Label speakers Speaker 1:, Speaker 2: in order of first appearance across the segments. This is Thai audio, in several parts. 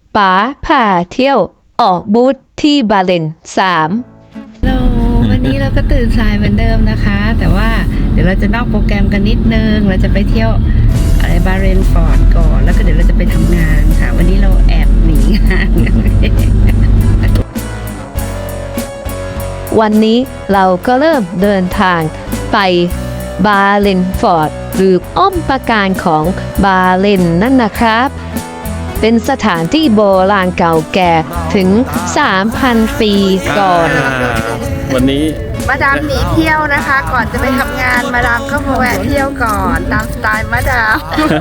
Speaker 1: ป๋าพาเที่ยวออกบูธที่บาเลน3
Speaker 2: ฮัลโหลวันนี้เราก็ตื่นสายเหมือนเดิมนะคะ แต่ว่าเดี๋ยวเราจะนอกโปรแกรมกันนิดนึง เราจะไปเที่ยวอะไรบาเรนฟอร์ดก่อน แล้วก็เดี๋ยวเราจะไปทำงานค่ะ วันนี้เราแอบหนีงานกันเอง
Speaker 1: วันนี้เราก็เริ่มเดินทางไปบาเลนฟอร์ดหรืออ้อมปราการของบาเลนนั่นนะครับ เป็นสถานที่โบราณเก่าแก่ถึง 3,000 ปีก่อน
Speaker 3: วันนี้
Speaker 2: มาดามหนีเที่ยวนะคะ ก่อนจะไปทำงานมาดามก็มาแวะเที่ยวก่อนตามสไตล์มาดาม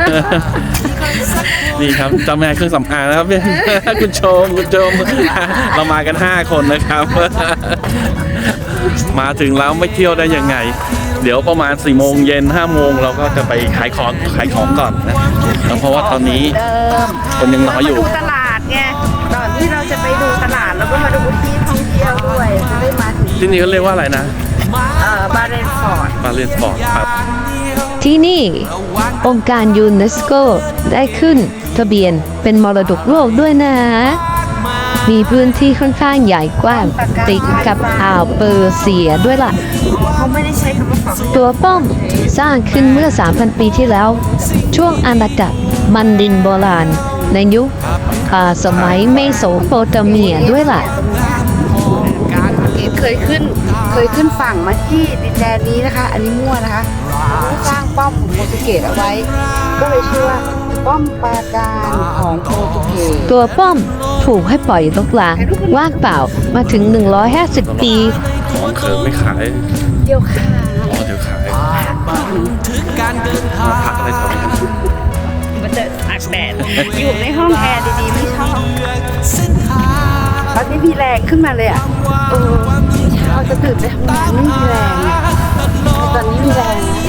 Speaker 3: นี่ครับเจ้าแม่เครื่องสำอางนะครับ คุณชมเรามากัน 5 คนนะครับ มาถึงแล้วไม่เที่ยวได้ยังไง เดี๋ยวประมาณ4 โมงเย็น5 โมงเราก็จะไปขายของก่อนนะเพราะว่าตอนนี้คนยังน้อยอยู่
Speaker 2: ดูตลาดไงก่อนที่เราจะไปดูตลาดแล้วก็มาดูที่ท่องเที่ยวด้วยจะได้มาถึง
Speaker 3: ที่นี่เขาเรียกว่าอะไรนะ
Speaker 2: บาเรนฟอร์ด
Speaker 3: บาเลนสปอร์ตครับ
Speaker 1: ที่นี่องค์การยูเนสโกได้ขึ้นทะเบียนเป็นมรดกโลกด้วยนะ มีพื้นที่ค่อนข้างใหญ่กว้างติดกับอ่าวเปอร์เซียด้วยล่ะ
Speaker 2: เขาไม่ได้ใช้คำว่าฝั่ง
Speaker 1: ตัวป้อมสร้างขึ้นเมื่อ 3,000 ปีที่แล้ว ช่วงอาณาจักรมันดินโบราณ ในยุคสมัยเมโสโปเตเมียด้วยล่ะ
Speaker 2: เคยขึ้นฝั่งมาที่ดินแดนนี้นะคะ อันนี้มั่วนะคะสร้างป้อมของโปรตุเกสเอาไว้ ก็เลยชื่อว่าป้อมปราการของโปรตุเกส
Speaker 1: ตัวป้อมถูกให้ปล่อยรกร้างว่างเปล่ามาถึง 150 ปี
Speaker 3: ของเคิร์ไม่ขาย
Speaker 2: เดียวค่ะ
Speaker 3: อ๋อเดี๋ยวขายมาพักอะไรแถวนี้
Speaker 2: มันจะอักแดดอยู่ในห้องแอร์ดีๆไม่ชอบตอนนี้มีแรงขึ้นมาเลยอ่ะเช้าจะตื่นไปทำงานไม่มีแรงแต่ตอนนี้มีแรงนะ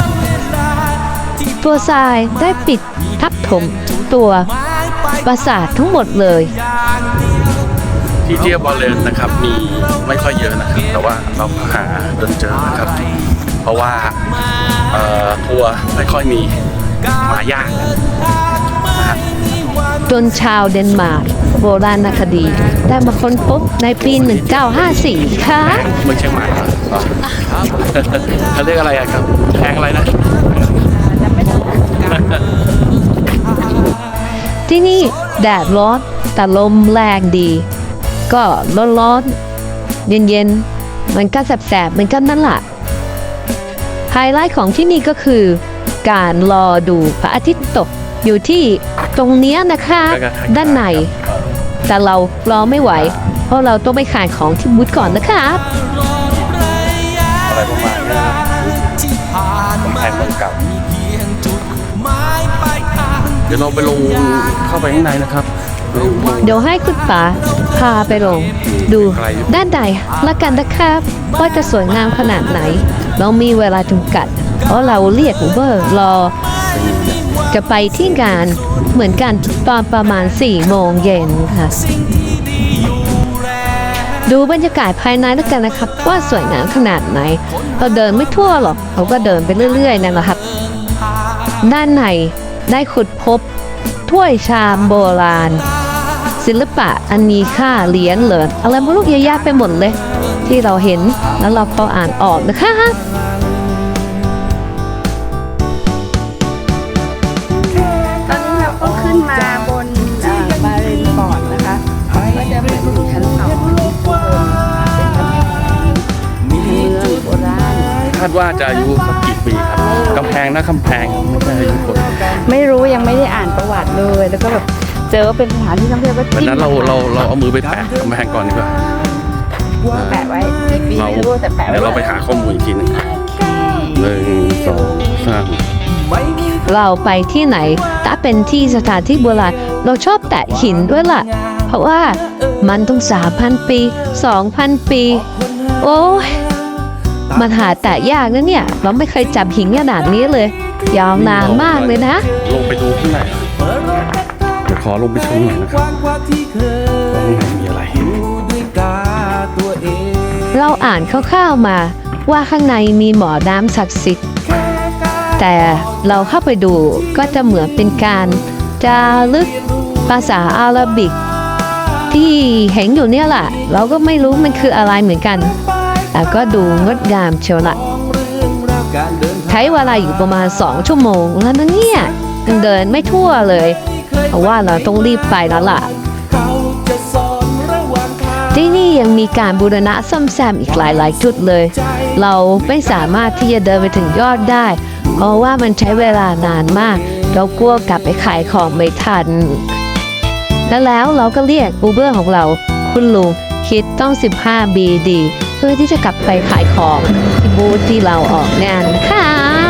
Speaker 1: ตัวทรายได้ปิดทับถมตัวปราสาททั้งหมดเลย
Speaker 3: ที่เที่ยวบอลเลนนะครับมีไม่ค่อยเยอะนะครับ แต่ว่าเราหาจนเจอนะครับ เพราะว่าทัวร์ไม่ค่อยมีมายากนะฮะ
Speaker 1: จนชาวเดนมาร์กโบราณคดีได้มาค้นพบในปี 1954 ค่ะ
Speaker 3: เมืองเชียงใหม่เหรอเขาเรียกอะไรอะครับแพงอะไรนะ
Speaker 1: ที่นี่แดดร้อนแต่ลมแรงดี ก็ร้อนๆเย็นๆมันก็แสบๆเหมือนกันนั่นแหละไฮไลท์ของที่นี่ก็คือ การรอดูพระอาทิตย์ตกอยู่ที่ตรงเนี้ยนะคะด้านในแต่เรารอไม่ไหว เพราะเราต้องไปขายของที่บูธก่อนนะครับ
Speaker 3: อะไรประมาณนี้นะครับของไทยเมืองเก่าเดี๋ยวเราไปลงเข้าไปข้างในนะครับ
Speaker 1: เดี๋ยวให้คุณป๋าพาไปลงดูด้านในละกันนะครับว่าจะสวยงามขนาดไหน เรามีเวลาจำกัด เพราะเราเรียกอูเบอร์รอ จะไปที่งานเหมือนกันตอนประมาณ 4 โมงเย็นค่ะ ดูบรรยากาศภายในแล้วกันนะครับ ว่าสวยงามขนาดไหน เราเดินไม่ทั่วหรอกเราก็เดินไปเรื่อยๆนั่นแหละครับ ด้านในได้ขุดพบถ้วยชามโบราณ ศิลปะอันมีค่าเหรียญเหริญอะไรไม่รู้เยอะแยะไปหมดเลย ที่เราเห็นแล้วเราพออ่านออกนะคะ
Speaker 2: ตอนนี้เราก็ขึ้นมาบนบาเรนฟอร์ดนะคะก็จะเป็นชั้น2เป็นเมืองโบราณ
Speaker 3: คาดว่าจะอายุสักกี่ปีครับกำแพงนะกำแพงไม่ใช่อายุคน
Speaker 2: ไม่รู้ยังไม่ได้อ่านประวัติเลยแล้วก็แบบเจอว่าเป็นสถานที่ท่องเที่ยวก็
Speaker 3: วัน
Speaker 2: จิ้ม
Speaker 3: นั้นเราเอามือไปแปะกำแพงก่อนดีกว่า
Speaker 2: แปะไว้กี่ปีไม่รู้แต่แปะไว้
Speaker 3: เดี๋ยวเราไปหาข้อมูลอีกทีหนึง1 2 3
Speaker 1: เราไปที่ไหนถ้าเป็นที่สถานที่โบราณเราชอบแตะหินด้วยล่ะ เพราะว่ามันต้อง 3,000 ปี 2,000 ปี โอ้ยมันหาแตะยากนะเนี่ย เราไม่เคยจับหินขนาดนี้เลย ยาวนานมากเลยนะ
Speaker 3: ลงไปดูข้างในเดี๋ยวขอลงไปชมหน่อยนะครับว่าข้างในมีอะไร
Speaker 1: เราอ่านคร่าวๆมาว่าข้างในมีหมอน้ำศักดิ์สิทธิ์ แต่เราเข้าไปดูก็จะเหมือนเป็นการจารึกปภาษาอาหรับิกที่เห็นอยู่เนี่ยแหละเราก็ไม่รู้มันคืออะไรเหมือนกันแต่ก็ดูงดงามเชียวละใช้เวลาอยู่ประมาณ2 ชั่วโมงแล้วนะเนี่ยยังเดินไม่ทั่วเลยเพราะว่าเราต้องรีบไปแล้วล่ะที่นี่ยังมีการบูรณะซ่อมแซมอีกหลายๆจุดเลย เราไม่สามารถที่จะเดินไปถึงยอดได้ เพราะว่ามันใช้เวลานานมากเรากลัวกลับไปขายของไม่ทันแล้วเราก็เรียกอูเบอร์ของเราคุณลุงคิดต้อง15 BD เพื่อที่จะกลับไปขายของที่บูธที่เราออกงานนะคะ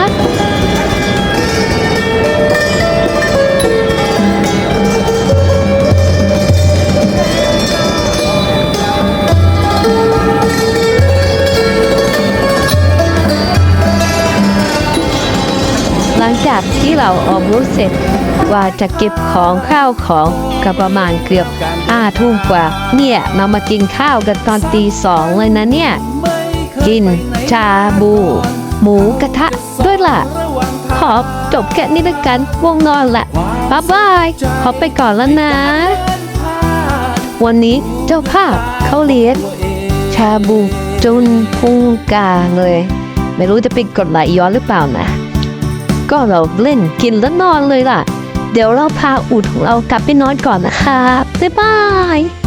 Speaker 1: หลังจากที่เราออกบูธเสร็จว่าจะเก็บของข้าวของก็ประมาณเกือบ5 ทุ่มกว่าเนี่ยเรามากินข้าวกันตอนตี 2เลยนะเนี่ยกินชาบูหมูกระทะด้วยล่ะขอจบแค่นี้ละกันง่วงนอนละบ๊ายบายขอไปก่อนแล้วนะ วันนี้เจ้าภาพเขาเลี้ยงชาบูจนพุงกาเลยไม่รู้จะไปกดไหลย้อนหรือเปล่านะก็เราเล่นกินแล้วนอนเลยล่ะเดี๋ยวเราพาอูฐของเรากลับไปนอนก่อนนะคะบ๊ายบาย